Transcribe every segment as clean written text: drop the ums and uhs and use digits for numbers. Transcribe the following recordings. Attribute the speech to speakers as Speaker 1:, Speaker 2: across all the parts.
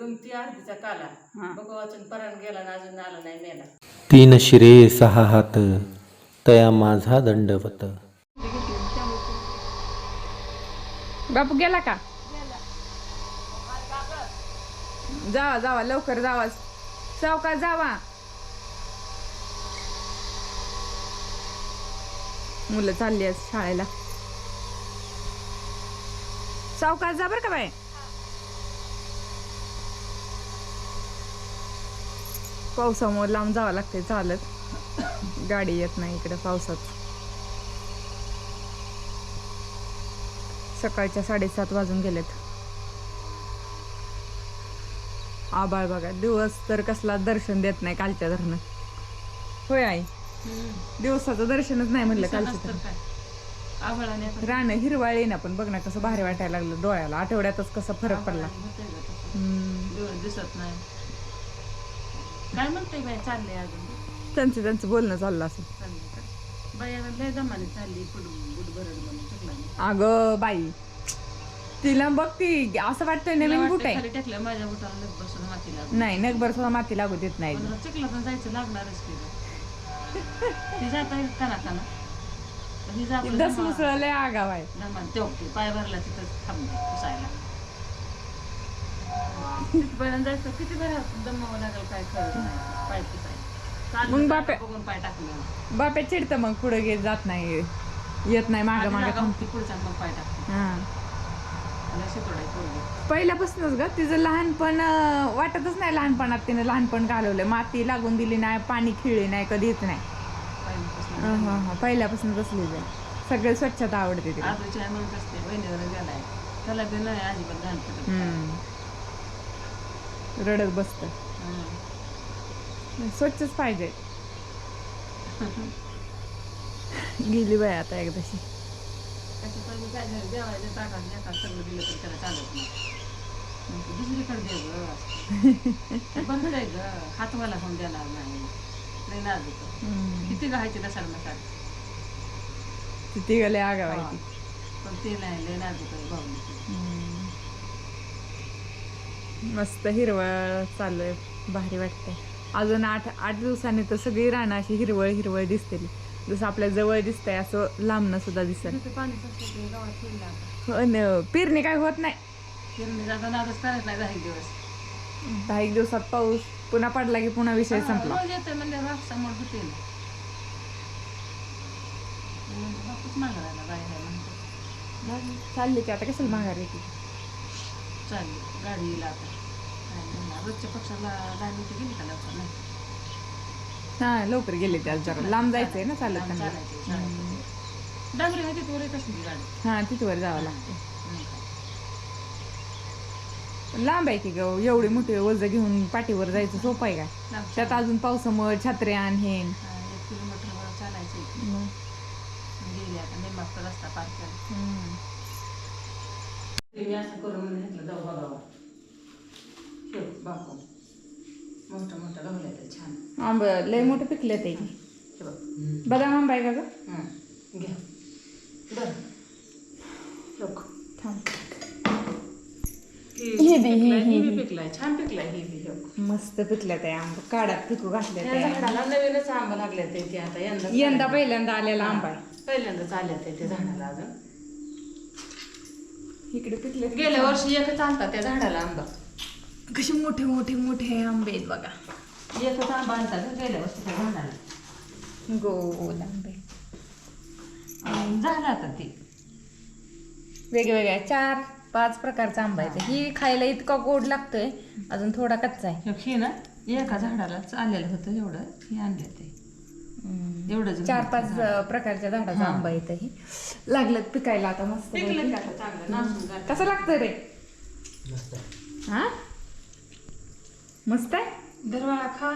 Speaker 1: ती अर्धीचा काला बघ वाचून परान गेला ना अजून आला नाही मेला.
Speaker 2: 3 शिरे 6 हात तया माझा दंडवत.
Speaker 3: बापू गेला का? जावा जावा लवकर जावा सावकाश जावा. मुलं चालली आहेत शाळेला. सावकाश जा बरं का बाय. पावसामुळे लांब जावं लागते चालत. गाडी येत नाही इकडे पावसात. सकाळच्या 7:30 वाजून गेलेत. आबाळ बघा दिवस तर कसला दर्शन देत नाही कालच्या धरणं. होय आई दिवसाचं दर्शनच नाही म्हणलं कालचं. रान हिरवाळी ना पण बघ ना कसं भारी वाटायला लागलं डोळ्याला. आठवड्यातच कसा फरक पडला.
Speaker 1: दिसत नाही काय म्हणते बाय चाललंय अजून.
Speaker 3: त्यांचं बोलणं चाललं असं.
Speaker 1: बाया लय जमाने चालली बुट भरड म्हणून चुकला.
Speaker 3: अगं बाई तिला बघ ती असं वाटतंय नवीन बुट आहे.
Speaker 1: टाकलं माझ्या बुटाला नग बसून माती लागू.
Speaker 3: नाही नगभर सुद्धा माती लागू देत नाही.
Speaker 1: चिखला पण जायचं लागणारच की ती जाता काना काना ही जात
Speaker 3: दस मुसळले आगाव आहे.
Speaker 1: तेवढी पाय भरला तिथं थांबले पुसायला. तिथपर्यंत जायचं किती बरं दमावं लागेल काय करत नाही पाय पुसायला.
Speaker 3: मग बाप्या
Speaker 1: बघून पाय टाकले
Speaker 3: बाप्या चिडतं मग पुढे घेत जात नाही येत नाही मागे मागे थांबते.
Speaker 1: पुढचा मग पाय टाकते.
Speaker 3: हा
Speaker 1: शितोडाय पोरगी
Speaker 3: पहिल्यापासूनच ग तिचं लहानपण वाटतच नाही. लहानपणात तिने लहानपण घालवलं. माती लागून दिली नाही पाणी खिळले नाही कधीच नाही. पहिल्यापासून बसली जाय. सगळे स्वच्छता आवडते तिला.
Speaker 1: आजूची आई म्हणत असते बहिणीवर गेलाय त्याला बी नाही अजिबात घाण पडत.
Speaker 3: रडत बसत. स्वच्छच पाहिजे. गेली बाय आता एकदाशी.
Speaker 1: त्याच्या पहिले काय झालं जेवायचं ताटात एका सगळं दिलं तर त्याला चालत नाही. दुसरीकडे दे ग बंद आहे ग हातवाला होऊन देणार नाही. नाही नाजूक किती घायचे दसाड मसाड
Speaker 3: किती गेले आगावायची
Speaker 1: पण ते नाही लय नाजूक आहे भाऊ.
Speaker 3: मस्त हिरवळ चालू आहे भारी वाटतंय. अजून 8 दिवसांनी तर सगळी रानं अशी हिरवळ हिरवळ दिसतील. जसं आपल्या जवळ दिसतंय असं लांबनं सुद्धा दिसत. पेरणी काय होत नाही.
Speaker 1: पेरणी जाता नादच करत नाही 10 दिवस.
Speaker 3: 10 दिवसात पाऊस पुन्हा पडला की पुन्हा विषय संपला.
Speaker 1: रोज येते म्हणजे समोर होते बापूच मागायला बाहेर म्हणतो.
Speaker 3: चालली की आता कशाला माघार येते.
Speaker 1: चालली गाडी येईल आता. रोजच्या पक्षाला 10 मिनिटं गेली का लवकर नाही.
Speaker 3: हा लवकर गेले ते आज जरा लांब जायचंय ना चालत.
Speaker 1: डांगरी आहे तिथवर येत असते गाडी.
Speaker 3: हा तिथवर जावं लागतं. लांब आहे की ग एवढी मोठी वज घेऊन पाठीवर जायचं सोपं आहे का. त्यात अजून पावसामुळे छत्र्या हे
Speaker 1: 1 किलोमीटर चालायचं. गेली आता नेमका रस्ता पार केला. मी असं करून घेतलं जाऊ बघावं. बापू मोठं मोठं गवलं तर छान.
Speaker 3: आंब लय मोठं पिकले ते. बदाम आंबा आहे का ग.
Speaker 1: घ्या बरं लोक
Speaker 3: थांब.
Speaker 1: हे बी पिकलाय छान पिकलाय. हे बी
Speaker 3: मस्त पिकल्या त्या आंब काढात पिकू घातल्या
Speaker 1: त्या झाडाला नवीनच आंबा लागले ते आता
Speaker 3: यंदा पहिल्यांदा आलेला आंबा आहे.
Speaker 1: पहिल्यांदाच आले ते झाडाला. अजून
Speaker 3: इकडे पिकले.
Speaker 1: गेल्या वर्षी एकच आणता त्या झाडाला आंबा.
Speaker 3: कसे मोठे मोठे मोठे आंबे आहेत बघा.
Speaker 1: एकच आंबा आणतात गेल्या वर्षी त्या झाडाला.
Speaker 3: गोल आंबे
Speaker 1: झालं आता ते
Speaker 3: वेगवेगळ्या 4-5 प्रकारचा आंबा आहे. ही खायला इतका गोड लागतोय. अजून थोडा कच्चा आहे.
Speaker 1: हे ना एका झाडालाच आलेलं होतं एवढं हे आणले ते एवढंच.
Speaker 3: 4-5 प्रकारच्या झाडाचा आंबा येत ही लागलं पिकायला आता. मस्त कसं लागतं रे. हा मस्त आहे.
Speaker 1: दरवाळा खा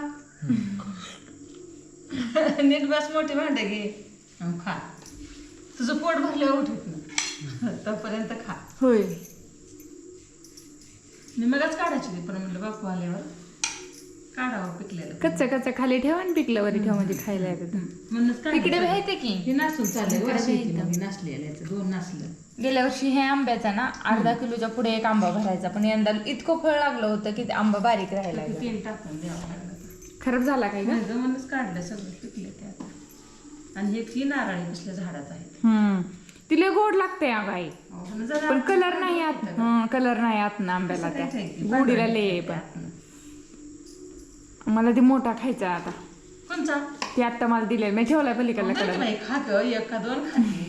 Speaker 1: नीट बस मोठी भांडे घे खा. तुझं पोट भरल्यावर उठत ना तोपर्यंत खा.
Speaker 3: होय
Speaker 1: मी मगच काढायची पण म्हटलं बापू आल्यावर काढावं पिकलेलं
Speaker 3: कच्चं खाली ठेवा आणि पिकलं वरी ठेवा म्हणजे खायला येतं.
Speaker 1: म्हणूनच काय
Speaker 3: तिकडे माहिती की
Speaker 1: हे नासून चाललंय
Speaker 3: इकडे
Speaker 1: वर्षी
Speaker 3: भेटतं.
Speaker 1: मग नासलेलं याचं 2 नासलं
Speaker 3: गेल्या वर्षी हे आंब्याचा ना अर्धा किलोच्या पुढे एक आंबा भरायचा, पण यंदा इतकं फळ लागलं होतं की ते आंबा बारीक राहायला लागला.
Speaker 1: तेल टाकून द्यावं लागलं
Speaker 3: खराब झाला काय का?
Speaker 1: म्हणूनच काढलं सगळं पिकले ते आता. आणि हे ही नारळी कसल्या झाडात आहे
Speaker 3: तिला गोड लागते आई,
Speaker 1: जरा
Speaker 3: पण कलर नाही आत कलर नाही आत ना आंब्याला त्या गोडीला लय आहे. पण मला ती मोठा खायचा आता,
Speaker 1: कोणचा
Speaker 3: ती आता मला दिले मी ठेवलाय पलीकडला कडे.
Speaker 1: नाही खात 1 का 2 खाते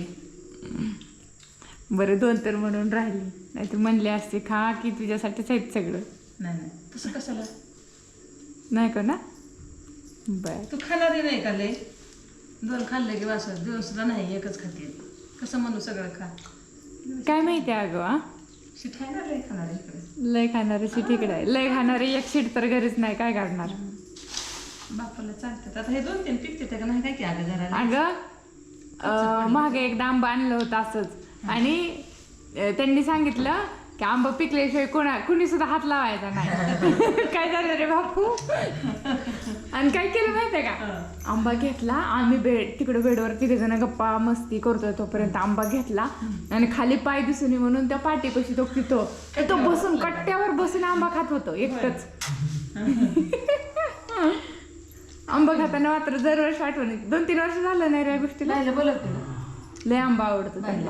Speaker 3: बरं 2 तर म्हणून राहिली, नाही तर म्हणले असते खा की तुझ्यासाठीच आहेत सगळं.
Speaker 1: नाही तसं कशाला
Speaker 3: नाही का ना? बर
Speaker 1: तू खाणारी नाही का लय 2 खाल्ले की वास दिवसला नाही 1च खाते कसं म्हणू सगळं खा
Speaker 3: काय माहिती अगं आ?
Speaker 1: शीट आहे ना लय खाणार इकडे
Speaker 3: लय खाणारे शीट इकडे आहे, लय खाणारे एक शीट तर घरीच नाही, काय काढणार.
Speaker 1: बापाला चालतात आता हे 2-3 पिकते ते का नाही काय की अगं जरा
Speaker 3: अगं मागे एकदा आंबा आणलं होतं असंच, आणि त्यांनी सांगितलं की आंबा पिकल्याशिवाय कुणी सुद्धा हात लावायचा नाही. काय झालं रे बापू, आणि काय केलं माहितीये का, आंबा घेतला आम्ही तिकडे बेडवर 3 जण गप्पा मस्ती करतोय तोपर्यंत आंबा घेतला आणि खाली पाय दिसून नये म्हणून त्या पाठीपाशी तो बसून कट्ट्यावर बसून आंबा खात होतो एकटच. आंबा खाताना मात्र दरवर्षी आठवण येते. 2-3 वर्ष झालं नाही रे गोष्टीला.
Speaker 1: बोलत
Speaker 3: लय आंबा आवडतो त्यांना.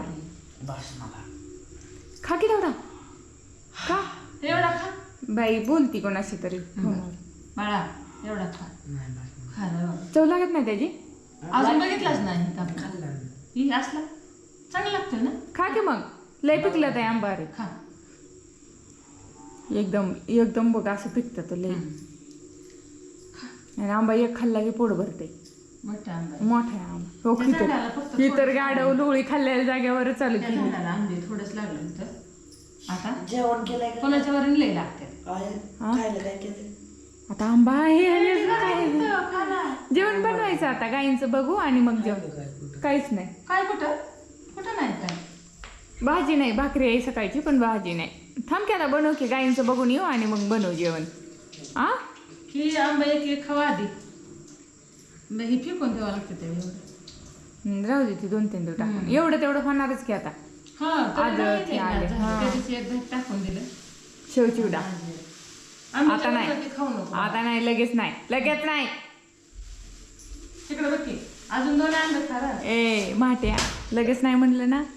Speaker 3: खा की तेवढा खा,
Speaker 1: एवढा खा
Speaker 3: बाई बोलती कोणाशी तरी फोनवर.
Speaker 1: बाळा एवढा खा खा रे बाबा.
Speaker 3: चव लागत नाही त्याची.
Speaker 1: अजून बघितलाच नाही ही असला चांगलं लागतं ना.
Speaker 3: खा की मग, लय पिकलं ते आंबा रे.
Speaker 1: खा
Speaker 3: एकदम बघ असं पिकतं तो लय. आणि आंबा एक खाल्ला की पोट भरते.
Speaker 1: मोठा आंबा
Speaker 3: मोठा आहे आंबा. हो
Speaker 1: त्या झाडाला फक्त
Speaker 3: ही तर गाडव लोळी खाल्लेल्या जागेवर चालू
Speaker 1: त्या
Speaker 3: केली.
Speaker 1: झाडाला आंबे थोडंच लागलं होतं. आता
Speaker 4: जेवण केलंय का?
Speaker 1: कोणाच्या वरून लय लागते
Speaker 4: खायला काय केलं?
Speaker 3: आता आंबा आहे आणि काय जेवण बनवायचं आता गाईंचं बघू आणि मग जेवण. काहीच नाही.
Speaker 1: काय कुठं कुठं नाही काय
Speaker 3: भाजी नाही, भाकरी आहे सकाळची पण भाजी नाही. थांब की आता बनव की, गाईंचं बघून येऊ आणि मग बनवू जेवण. आ
Speaker 1: ही आंबा एक खावा आधी मग ही फेकून द्यावं लागतं ते एवढं.
Speaker 3: राहू दे ती 2-3 दिवस टाकून, एवढं तेवढं होणारच की आता.
Speaker 1: हा
Speaker 3: आलं की आले. हा.
Speaker 1: टाकून दिलं
Speaker 3: शेव चिवडा
Speaker 1: आम्ही
Speaker 3: आता नाही.
Speaker 1: ते खाऊ नको
Speaker 3: आता नाही, लगेच नाही.
Speaker 1: तिकडे बघ की अजून 2 आंबे खा रे.
Speaker 3: ए माट्या, लगेच नाही म्हणलं ना.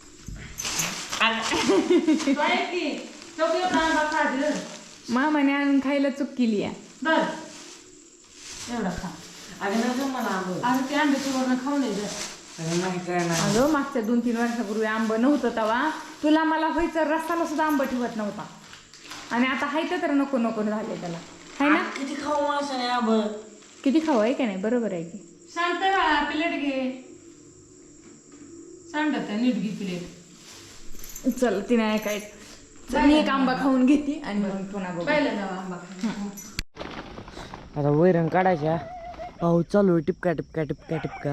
Speaker 1: तो आहे की तो बी एवढा आंबा खा दे.
Speaker 3: मामाने आणून खायला चूक केली आहे.
Speaker 1: बर एवढा खा.
Speaker 4: अगं नको मला आंबं.
Speaker 1: अरे ते आंब्याची वरण खाऊ नये जर
Speaker 4: अगं नाही काय नाही.
Speaker 3: अगं मागच्या 2-3 वर्षापूर्वी आंब नव्हतं तेव्हा तुला मला व्हायचं, रस्त्याला सुद्धा आंबा ठेवत नव्हता. आणि आता हायतं तर नको झाले त्याला, हाय ना.
Speaker 4: किती खाऊ माणसाने आंबं?
Speaker 3: किती खावं आहे का नाही, बरोबर आहे की.
Speaker 1: शांत बाळा प्लेट घे. सांडत नीट घे प्लेट.
Speaker 3: चल ती नाही काय, मी एक आंबा खाऊन घेते आणि मग पुन्हा बघू.
Speaker 1: पहिला जाऊ आंबा खा.
Speaker 4: आता वैरण काढायच्या. पाऊस चालू आहे, टिपका.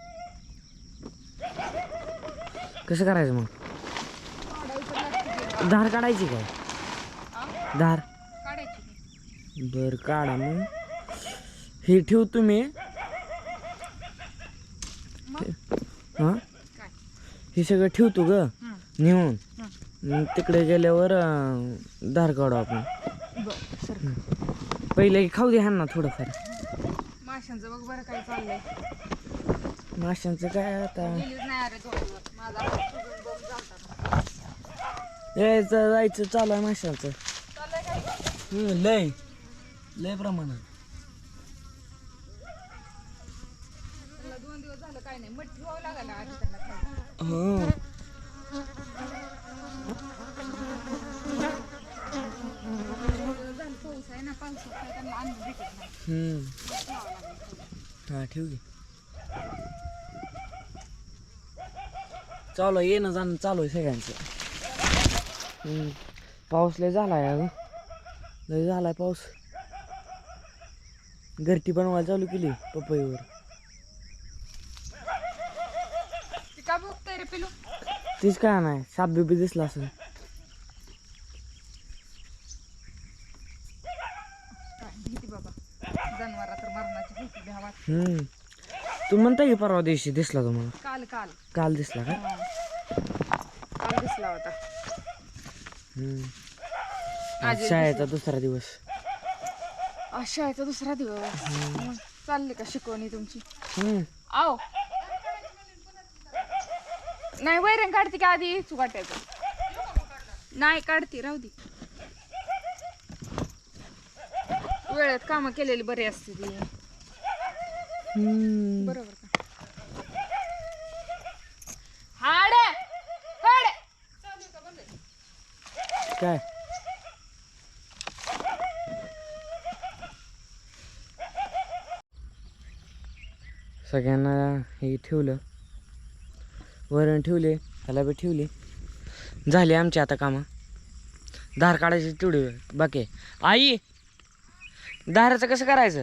Speaker 4: कसं करायचं मग? धार काढायची काय? धार बर काढा मग. हे ठेव तुम्ही. हा हे सगळं ठेवतो ग नेऊन. मग तिकडे गेल्यावर धार काढू आपण. पहिले खाऊ दे ह्यांना थोडंफार.
Speaker 3: माशांचं बघ बरं काय चाललंय.
Speaker 4: माशांचं काय आता यायचं जायचं चालू आहे माशांचं. लय प्रमाणात.
Speaker 3: 2 दिवस झालं काय नाही, मठ ठेवावं लागलं आधी त्यांना खायला.
Speaker 4: हो
Speaker 3: पाऊस आहे ना, पावसात काय त्यांना अन्न भेटत नाही.
Speaker 4: हा ठेव घे. चालू आहे, येणं जाणं चालू आहे सगळ्यांचं. पाऊस लय झालाय अगं, लय झालाय पाऊस. घरटी बनवायला चालू केली पपईवर.
Speaker 3: का बघताय रे पिलू?
Speaker 4: तीच काय नाही, साप बिबी दिसला असेल.
Speaker 3: बाबा
Speaker 4: तू म्हणता की परवा दिवशी दिसला तुम्हाला?
Speaker 3: काल काल
Speaker 4: काल दिसला का?
Speaker 3: काल दिसला होता.
Speaker 4: आज शाळेचा दुसरा दिवस.
Speaker 3: आज शाळेचा दुसरा दिवस. मग चालली का शिकवणी तुमची? आओ नाही वैरण काढते की आधी तू काटायचं? नाही काढते राहू दे. वेळेत कामं केलेली बरी असते ती. बरोबर का? हाड हाड
Speaker 4: काय सगळ्यांना हे ठेवलं, वरण ठेवले, ह्याला बी ठेवले. झाली आमची आता कामं. धार काढायची तेवढी बाकी आहे. आई धाराचं कसं करायचं?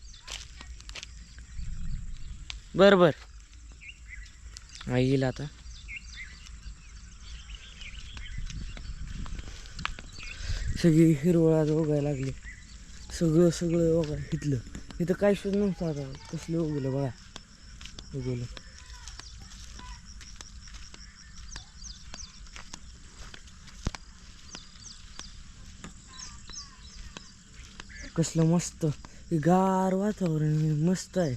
Speaker 4: बरं बरं आई येईल आता. सगळी हिरवळ आज उगायला लागली. सगळं सगळं बघा इथलं. इथं काही सुद्धा नव्हतं. आता कसलं उगवलं बघा. उगवलं कसलं मस्त हे गार वातावरण मस्त आहे.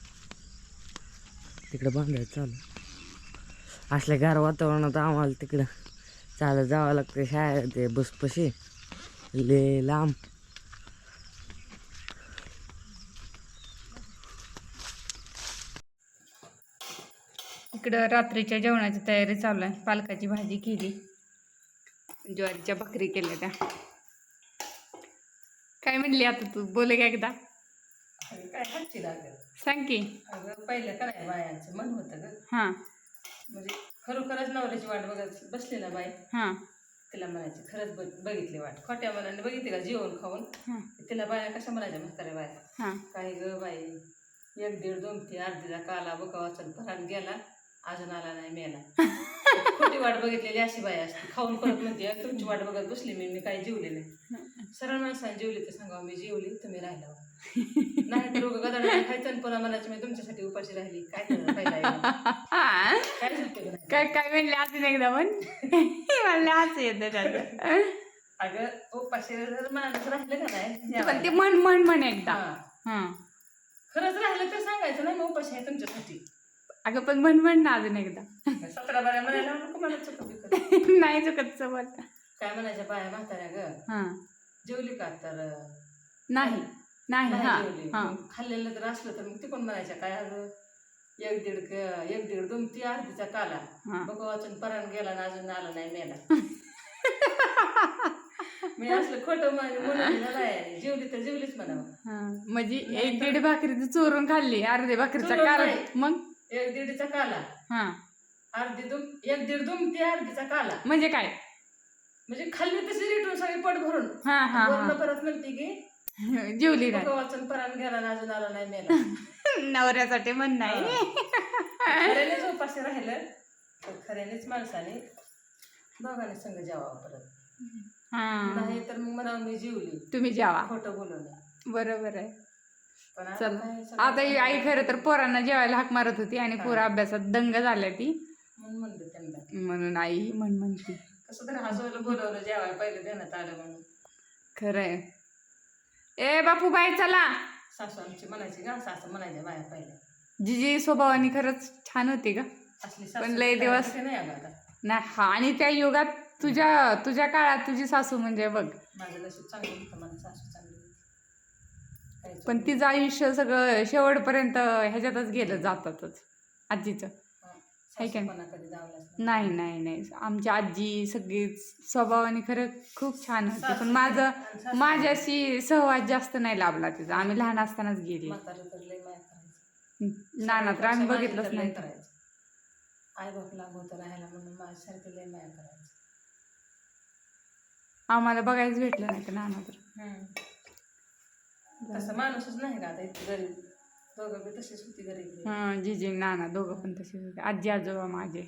Speaker 4: तिकडं बांधायचं चालू. असल्या गार वातावरणात आम्हाला तिकडं चालत जावं लागतं शाळेत. ते बसपशी ले लांब.
Speaker 3: इकडं रात्रीच्या जेवणाची तयारी चालू आहे. पालकाची भाजी केली, ज्वारीच्या भाकरी केल्या त्या. काय म्हणली आता तू? बोले का एकदा?
Speaker 1: काय हातची लागेल.
Speaker 3: सांग की.
Speaker 1: अगं पहिलं काय बायांचं मन होतं ग.
Speaker 3: हां
Speaker 1: म्हणजे खरोखरच नवऱ्याची वाट बघत बसली ना बाई,
Speaker 3: हां
Speaker 1: तिला म्हणायची खरंच बघितली वाट. खोट्या मनाने बघितली का जेवण खाऊन.
Speaker 3: हां
Speaker 1: तिला बाया कशा म्हणायच्या म्हाताऱ्या बाया,
Speaker 3: हां
Speaker 1: काही ग बाई 1 दीड 2 ती अर्धीचा काला बका वाचन परान गेला अजून आला नाही मेला. खोटी वाट बघितलेली अशी बाई असते. खाऊन परत म्हणते तुमची वाट बघत बसली मी काही जेवले नाही. सरळ माणसाने जेवली तर सांगा मी जेवली तुम्ही राहिला. नाही तर रोग गदाडा खायचं आणि पुन्हा म्हणायचं मी तुमच्यासाठी उपाशी राहिली. काय करायचं पहिला काय सुटते का
Speaker 3: काय काय म्हणले अजून एकदा म्हण. म्हणले असं येतं त्याचं.
Speaker 1: अगं उपाशी जर माणूस राहिलं का नाही
Speaker 3: पण ते म्हण म्हण म्हण एकदा.
Speaker 1: हा.
Speaker 3: हां
Speaker 1: खरंच राहिलं तर सांगायचं ना मी उपाशी आहे तुमच्यासाठी.
Speaker 3: अगं पण म्हण म्हण ना अजून एकदा.
Speaker 1: 17 बाया म्हणायला नको मला चुकत.
Speaker 3: नाही चुकत बोल.
Speaker 1: काय म्हणायच्या बाया म्हाताऱ्या ग
Speaker 3: हां
Speaker 1: जेवली का तर
Speaker 3: नाही नाही हां
Speaker 1: जेवली.
Speaker 3: हां
Speaker 1: मग खाल्लेलं जर असलं तर मग ते कोण म्हणायच्या काय अगं 1 दीड 2 ती अर्धीचा काला
Speaker 3: हां
Speaker 1: बघ वाचून परान गेला ना अजून आला नाही मेला. मी असलं खोटं म्हणून नाही जेवली तर जेवलीच म्हणावं.
Speaker 3: हां म्हणजे 1 दीड भाकरी चोरून खाल्ली, अर्धे भाकरीचा
Speaker 1: चोरून
Speaker 3: काला.
Speaker 1: नाही.
Speaker 3: मग
Speaker 1: 1 दीडचा काला
Speaker 3: हां
Speaker 1: 1 दीड 2 ती अर्धीचा काला
Speaker 3: म्हणजे काय?
Speaker 1: म्हणजे खाल्ली तशी रिटून सगळी पोट भरून
Speaker 3: हां हां
Speaker 1: वरनं परत म्हणते की
Speaker 3: हां जेवली नाही.
Speaker 1: वाचून परान गेला ना अजून आला नाही मेला.
Speaker 3: नवऱ्यासाठी म्हण नाही.
Speaker 1: खऱ्यानेच उपाशी राहिलं तर खऱ्यानेच माणसाने दोघांनी संग जेवावं परत.
Speaker 3: हां
Speaker 1: नाही तर मग म्हणावं मी जेवली
Speaker 3: तुम्ही जेवा.
Speaker 1: खोटं बोलवलं.
Speaker 3: बरोबर आहे.
Speaker 1: पण आता
Speaker 3: चल
Speaker 1: काय सगळं
Speaker 3: आता ही आई खरं तर पोरांना जेवायला हाक मारत होती आणि पोरं अभ्यासात दंग झाल्या ती.
Speaker 1: म्हणून म्हणलं त्यांना
Speaker 3: म्हणून आई म्हण म्हणती.
Speaker 1: कसं तर हसवलं बोलवलं जेवायला पहिलं देण्यात आलं म्हणून.
Speaker 3: खरंय. ए बापू बाई चला.
Speaker 1: सासू आमची म्हणायची का सासू म्हणायच्या बाया पहिल्या.
Speaker 3: जिजी स्वभावाने खरंच छान होती का?
Speaker 1: असली
Speaker 3: पण लय दिवस
Speaker 1: नाही अगं आता.
Speaker 3: नाही हा आणि त्या युगात तुझ्या काळात तुझी सासू म्हणजे बघ.
Speaker 1: माझं नशीब चांगलं होतं मला सासू चांगली होती. काहीच
Speaker 3: पण तिचं आयुष्य सगळं शेवटपर्यंत ह्याच्यातच गेलं जातातच आजीचं. आहे का
Speaker 1: सासूपणा कधी दावलाच
Speaker 3: नाही नाही नाही. आमची आजी सगळीच स्वभावाने खरं खूप छान होती. पण माझ्याशी सहवास जास्त नाही लाभला तिचा. आम्ही लहान असतानाच गेली.
Speaker 1: म्हातारं तर लय माया करायचं.
Speaker 3: नाना तर आम्ही
Speaker 1: माझी
Speaker 3: बघितलंच
Speaker 1: तर लय
Speaker 3: नाही.
Speaker 1: करायचं. आई बाप लागू होतं राहायला म्हणून माझ्यासारखं लय माया करायचं.
Speaker 3: आम्हाला बघायच भेटलं नाही तर नाना तर.
Speaker 1: तसं माणूसच नाही का आता इतकी गरीब. दोघं बी तशीच होती गरीब.
Speaker 3: हां जिजी नाना दोघं पण तसेच होते. आजी आजोबा माझे.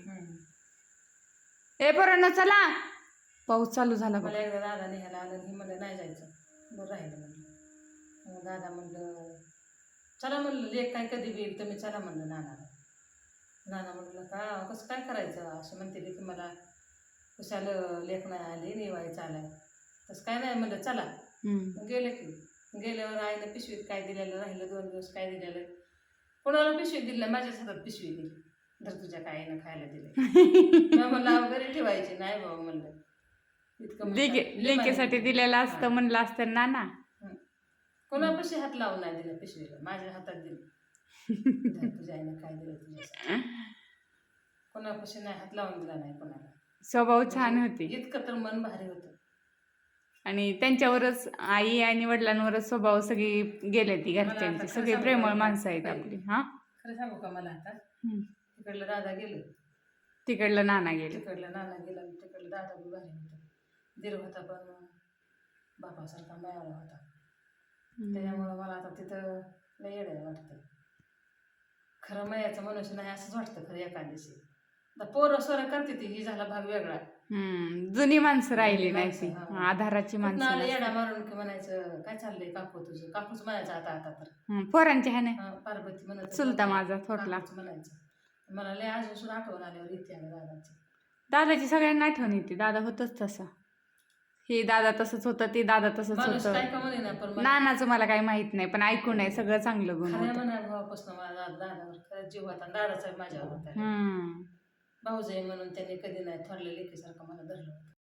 Speaker 3: ए पोरांनो चला. पाऊस चालू झाला बघ.
Speaker 1: मला एकदा दादा न्यायला आलं ही म्हणलं नाही जायचं. बरं राहिलं म्हणलं. मग दादा म्हणलं चला म्हणलं लेख काय कधी बी येईल तुम्ही चला म्हणलं नानाला. नाना म्हणलं का कसं काय करायचं असं म्हणते की मला कशाला लेख नाही आली निवायचं आलाय तसं काय नाही म्हणलं चला. मग गेले की गेल्यावर आईनं पिशवीत काय दिलेलं राहिलं 2 दिवस काय दिलेलं कोणाला पिशवीत दिलं माझ्याच हातात पिशवी दिली जर तुझ्या काय आईनं खायला दिलं म्हणलं वगैरे ठेवायची नाही बाबा म्हणलं इतकं
Speaker 3: लेकीसाठी दिलेलं असतं म्हणलं असतं नाना.
Speaker 1: कोणापाशी हात लावून नाही दिलं पिशवीला माझ्या हातात दिलं तुझ्या आईनं काय दिलं तुझ्या कोणापाशी नाही हात लावून दिला नाही कोणाला.
Speaker 3: स्वभाव छान होते
Speaker 1: इतकं तर मन भारी होतं.
Speaker 3: आणि त्यांच्यावरच आई आणि वडिलांवरच स्वभाव सगळी गेले ती घरच्यांची सगळी प्रेमळ माणसं आहेत आपली. हा
Speaker 1: खरं सांगू का मला आता तिकडलं दादा गेलं
Speaker 3: तिकडलं नाना गेले
Speaker 1: तिकडलं नाना गेला तिकडलं दादा बी भारी होतं दीर होता पण बापासारखा मायाला होता त्याच्यामुळं मला आता तिथं लय येडं वाटतं. खरं मायाचं मनुष्य नाही असंच वाटतं खरं एका दिवशी. पोरं स्वरं करते ती ही झाला भाग वेगळा.
Speaker 3: जुनी माणसं राहिली नाही ती आधाराची
Speaker 1: कुठनं आलं
Speaker 3: माणसं
Speaker 1: येडा मारून की म्हणायचं काय चाललंय काकू तुझं काकूच म्हणायचं आता तर
Speaker 3: पोरांची आहे ना
Speaker 1: पार्वती म्हणत
Speaker 3: चुलता माझा थोरला
Speaker 1: म्हणायचं मला लय अजून सुद्धा आठवण आल्यावर येते आणि दादाची.
Speaker 3: दादाची सगळ्यांना आठवण येते दादा होतच तसा हे दादा तसंच होतं ते दादा तसंच
Speaker 1: माणूस
Speaker 3: होतं.
Speaker 1: काय का म्हणे ना पण
Speaker 3: नानाचं मला काही माहित नाही पण ऐकून आहे सगळं चांगलं गुण
Speaker 1: खऱ्या
Speaker 3: होतं.
Speaker 1: म्हणा भावापासून मला दादावर खरंच जीव होता दादाचा माझ्यावर होता. भाऊजाई म्हणून त्यांनी कधी नाही थोरल्या लेकीसारखं मला धरलं होतं.